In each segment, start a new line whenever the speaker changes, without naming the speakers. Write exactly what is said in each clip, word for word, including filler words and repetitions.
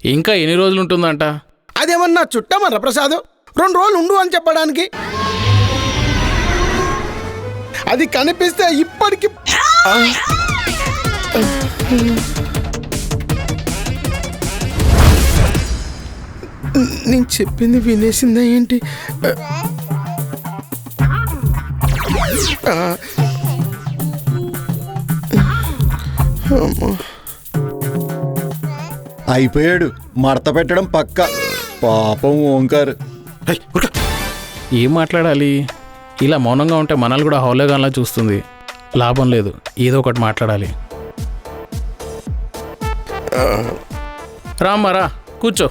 ఇంకా ఎన్ని రోజులు ఉంటుందంట?
అదేమన్నా చుట్టమరా ప్రసాద్, రెండు రోజులు ఉండు అని చెప్పడానికి. అది కనిపిస్తే ఇప్పటికి నేను చెప్పింది వినేసిందా ఏంటి?
అయిపోయాడు, మడత పెట్టడం పక్క. పాపం ఓంకార్.
ఏం మాట్లాడాలి? ఇలా మౌనంగా ఉంటే మనల్ని కూడా హౌలేగాన్లా చూస్తుంది. లాభం లేదు, ఏదో ఒకటి మాట్లాడాలి. రామ్మారా, కూర్చో.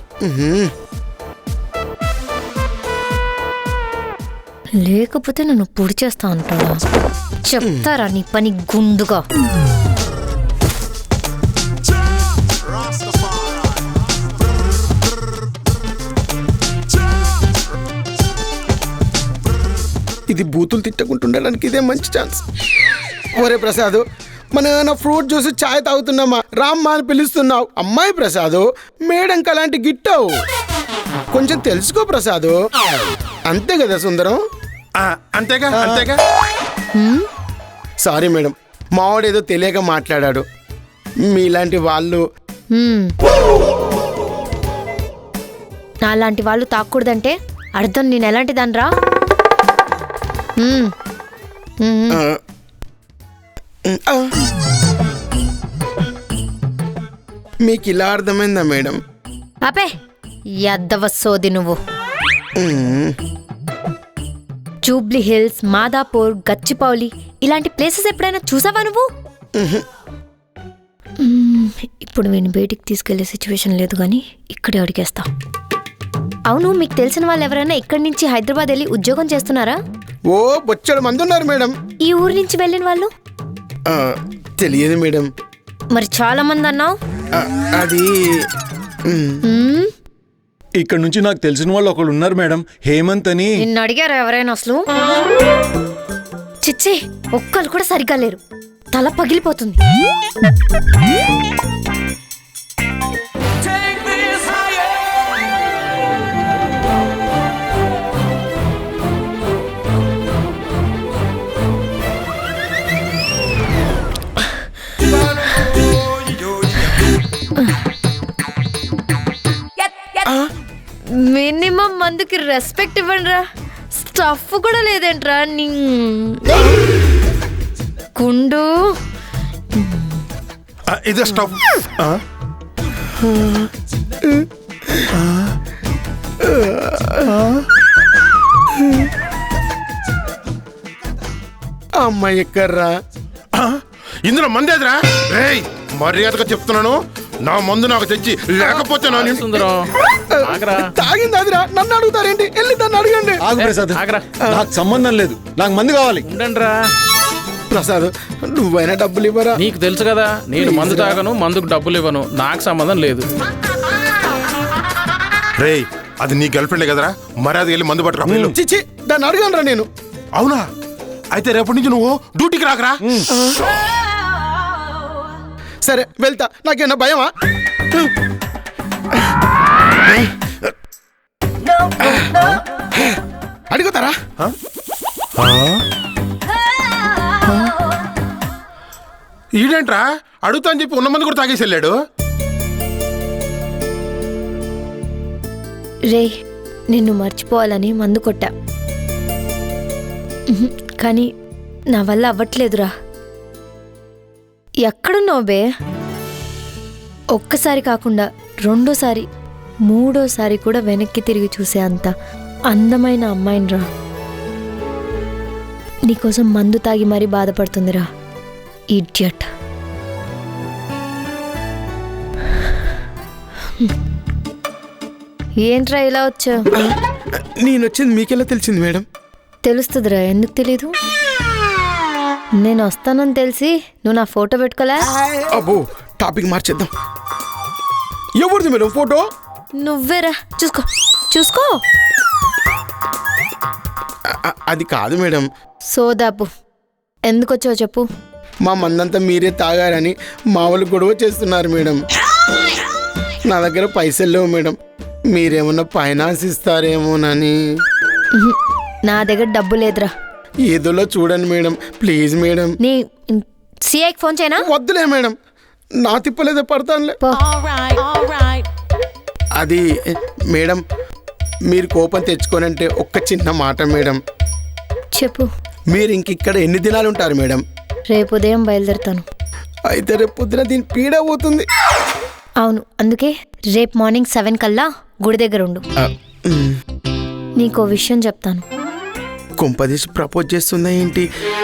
లేకపోతే నన్ను పొడి చేస్తా అంటాడా? చెప్తారా నీ పని గుండుగా?
ఇది బూతులు తిట్టకుంటుండడానికి ఇదే మంచి ఛాన్స్. ఒరే ప్రసాద్, మన ఏమైనా ఫ్రూట్ జ్యూస్ చాయ్ తాగుతున్నామా, రామ్మా అని పిలుస్తున్నావు. అమ్మాయి ప్రసాద్, మేడంకి అలాంటి గిట్టావు. కొంచెం తెలుసుకో ప్రసాద్. అంతే కదా సుందరం?
అంతేగా అంతేగా.
సారీ మేడం, మావాడేదో తెలియక మాట్లాడాడు. మీలాంటి వాళ్ళు
నాలాంటి వాళ్ళు తాకూడదంటే అర్థం నేను ఎలాంటి దాన్ని రా?
మీకు ఇలా అర్థమైందా మేడం?
అపే యద్దవ సోది నువ్వు. జూబ్లీ హిల్స్, మాదాపూర్, గచ్చిపౌలి ఇలాంటి ప్లేసెస్ ఎప్పుడైనా చూసావా నువ్వు? ఇప్పుడు నేను బయటికి తీసుకెళ్లే సిచ్యువేషన్ లేదు, కానీ ఇక్కడే అడిగేస్తా. అవును, మీకు తెలిసిన వాళ్ళు ఎవరైనా ఇక్కడి నుంచి హైదరాబాద్ వెళ్ళి ఉద్యోగం చేస్తున్నారా?
ఓ బొచ్చడు మంది ఉన్నారు మేడం.
ఈ ఊరు నుంచి వెళ్ళిన వాళ్ళు?
తెలియదు మేడం.
మరి చాలా మంది అన్నావు.
అది
ఇక్కడ నుంచి నాకు తెలిసిన వాళ్ళు ఒకళ్ళు ఉన్నారు మేడం, హేమంత్ అని.
నిన్ను అడిగారా ఎవరైనా అసలు? చిచ్చి, ఒక్కరు కూడా సరిగ్గా లేరు. తల పగిలిపోతుంది. మినిమం మందుకి రెస్పెక్ట్ ఇవ్వండి రా. స్టఫ్ కూడా లేదేంట్రా నీ కుండు?
ఇదే స్టఫ్.
అమ్మాయి ఎక్కర్రా?
ఇందులో మందేదిరా? రేయ్, మర్యాదగా చెప్తున్నాను, నా మందు నాకు తెచ్చి, లేకపోతే నా
సుందరం
తాగింది అదిరా. నన్ను అడుగుతారేంటి? వెళ్ళి దాన్ని అడగండి.
ఆగు ప్రసాద్, నాకు సంబంధం లేదు, నాకు మందు కావాలి.
ఉండండిరా
ప్రసాద్, నువ్వైనా డబ్బులు ఇవ్వరా?
నీకు తెలుసు కదా, నేను మందు తాగను, మందుకు డబ్బులు ఇవ్వను, నాకు సంబంధం లేదు.
రేయ్, అది నీ గర్ల్ ఫ్రెండే కదరా, మర్యాదగా వెళ్ళి మందు పట్టురా.
చిచ్చి, దాన్ని అడగనరా నేను.
అవునా? అయితే రేపటి నుంచి నువ్వు డ్యూటీకి రాకరా.
సరే వెళ్తా, నాకేనా భయమా? అడుగుతారా?
ఈడేంట్రా అడుగుతా అని చెప్పి ఉన్న మంది కూడా తాగేసి వెళ్ళాడు.
రే, నిన్ను మర్చిపోవాలని మందు కొట్టా, కానీ నా వల్ల అవ్వట్లేదురా. ఎక్కడున్నావు బే? ఒక్కసారి కాకుండా రెండోసారి, మూడోసారి కూడా వెనక్కి తిరిగి చూసే అంత అందమైన అమ్మాయినిరా. నీకోసం మందు తాగి మరీ బాధపడుతుందిరా, ఇడియట్. ఏంట్రా ఇలా వచ్చావు?
నేను వచ్చింది మీకెలా తెలిసింది మేడం?
తెలుస్తుందిరా, ఎందుకు తెలీదు? నేను వస్తానని తెలిసి నువ్వు నా ఫోటో పెట్టుకోలే?
అబ్బో, టాపిక్ మార్చేద్దాం. ఎవరిది మేడం ఫోటో?
నువ్వేరా, చూసుకో చూసుకో.
అది కాదు మేడం.
సోదాపు, ఎందుకు వచ్చావు చెప్పు.
మా మందంతా మీరే తాగారని మా వాళ్ళు గొడవ చేస్తున్నారు మేడం. నా దగ్గర పైసలు లేవు మేడం, మీరేమన్నా ఫైనాన్స్ ఇస్తారేమోనని.
ఉహు, నా దగ్గర డబ్బు లేదురా.
ఏదోలో చూడండి మేడం, ప్లీజ్ మేడం.
నీ సిఐకి ఫోన్ చేయనా?
వద్దులే మేడం, నా తిప్పలేదే పడతానులే.
పో.
అది మేడం, మీరు కోపం తెచ్చుకోనంటే ఒక్క చిన్న మాట మేడం.
చెప్పు.
మీరు ఇంక ఇక్కడ ఎన్ని దినాలు ఉంటారు మేడం?
రేపు ఉదయం బయలుదేరుతాను.
అయితే రేపు పొద్దున దీని పీడ పోతుంది.
అవును, అందుకే రేపు మార్నింగ్ సెవెన్ కల్లా గుడి దగ్గర ఉండు. నీకో విషయం చెప్తాను.
కుంపదీసి ప్రపోజ్ చేస్తుందా ఏంటి?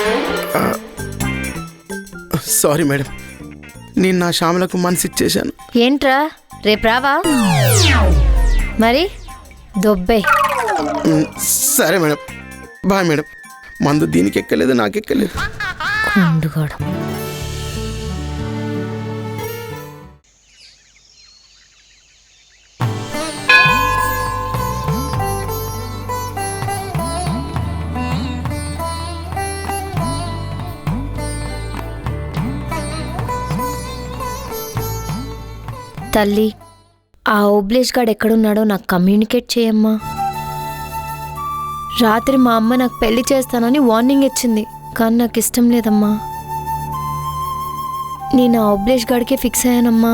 సారీ మేడం, నేను నా శ్యామలకు మనసు ఇచ్చేశాను.
ఏంట్రా రేపు రావా? మరి దొబ్బే.
సరే మేడం, బాయ్ మేడం. మందు దీనికి ఎక్కలేదు, నాకు ఎక్కలేదు.
కుండుగాడు. తల్లి, ఆ ఓబ్లేష్ గాడు ఎక్కడున్నాడో నాకు కమ్యూనికేట్ చేయమ్మా. రాత్రి మా అమ్మ నాకు పెళ్లి చేస్తానని వార్నింగ్ ఇచ్చింది, కానీ నాకు ఇష్టం లేదమ్మా. నేను ఆ ఓబ్లేష్ గాడికే ఫిక్స్ అయ్యానమ్మా.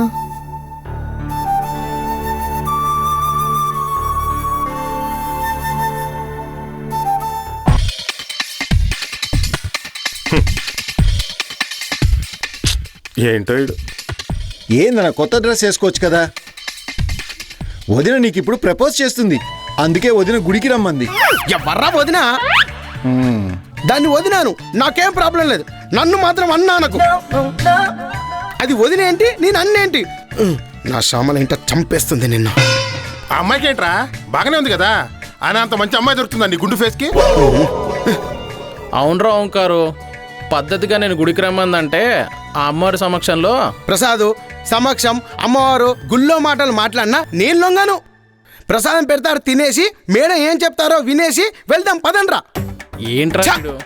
ఏంటో ఇడు.
ఏందన్న కొత్త డ్రెస్ వేసుకోవచ్చు కదా. వదిన నీకు ఇప్పుడు ప్రపోజ్ చేస్తుంది, అందుకే వదిన గుడికి రమ్మంది.
ఎవర్రా వదినా?
మ్మ్.
దాన్ని వదినాను, నాకేం ప్రాబ్లం లేదు. నన్ను మాత్రం అన్నానకు. అది వదినేంటి, నేను అన్నేంటి? నా శ్యామల ఇంట చంపేస్తుంది నిన్న.
ఆ అమ్మాయికి ఏంట్రా, బాగానే ఉంది కదా. ఆయన అంత మంచి అమ్మాయి దొరుకుతుందా నీ గుండు ఫేస్కి?
అవునరా ఓంకారు, పద్ధతిగా నేను గుడికి రమ్మందంటే ఆ అమ్మవారి సమక్షంలో
ప్రసాదు సమక్షం అమ్మవారు గుళ్ళో మాటలు మాట్లాడినా నేను లొంగను. ప్రసాదం పెడతారు, తినేసి మేడం ఏం చెప్తారో వినేసి వెళ్దాం పదండ్రా.
ఏంట్రా
ఛ!
వీడు?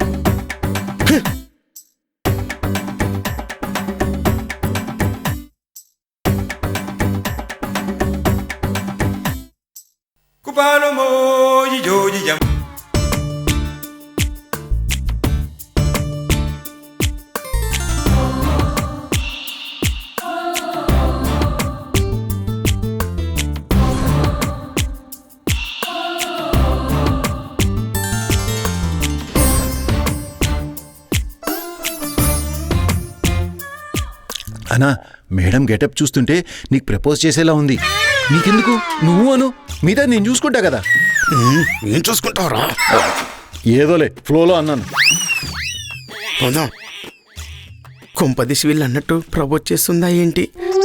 అన్నా, మేడం గెటప్ చూస్తుంటే నీకు ప్రపోజ్ చేసేలా ఉంది. నీకెందుకు, నువ్వు అను, మీద నేను చూసుకుంటా కదా.
ఏం చూసుకుంటావురా?
ఏదోలే ఫ్లోలో అన్నాను.
పోదాం. కుంపదీసి వీళ్ళు అన్నట్టు ప్రపోజ్ చేస్తుందా ఏంటి?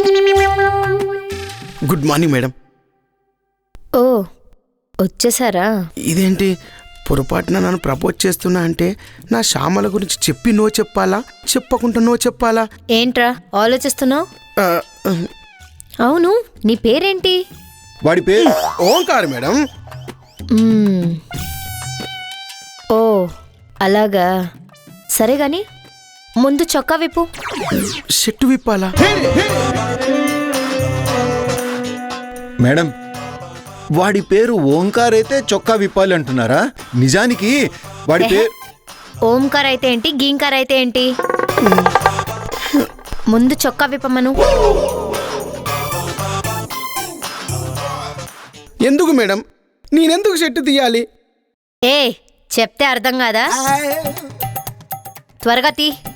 Good morning madam.
ఓ వచ్చేసారా?
ఇదేంటి పొరపాటున నన్ను ప్రపోజ్ చేస్తున్నా అంటే నా శ్యామల గురించి చెప్పి నో చెప్పాలా, చెప్పకుండా నో చెప్పాలా?
ఏంట్రా ఆలోచిస్తున్నావు?
ఆ,
అవును, నీ పేరేంటి?
వాడి పేరు
ఓంకార్ మేడం.
మ్మ్. ఓ అలాగా, సరే గాని ముందు చొక్కా విప్పు.
షెట్టు విప్పాలా?
మేడం, వాడి పేరు ఓంకార్ అయితే చొక్కా విప్పాలి అంటున్నారా? నిజానికి వాడి పేరు
ఓంకార్ అయితే ఏంటి, గీంకార్ అయితే ఏంటి? ముందు చొక్కా విప్పమను.
ఎందుకు మేడం, నేనెందుకు షెట్టు తీయాలి?
ఏ చెప్తే అర్థం కాదా? త్వరగా తీ.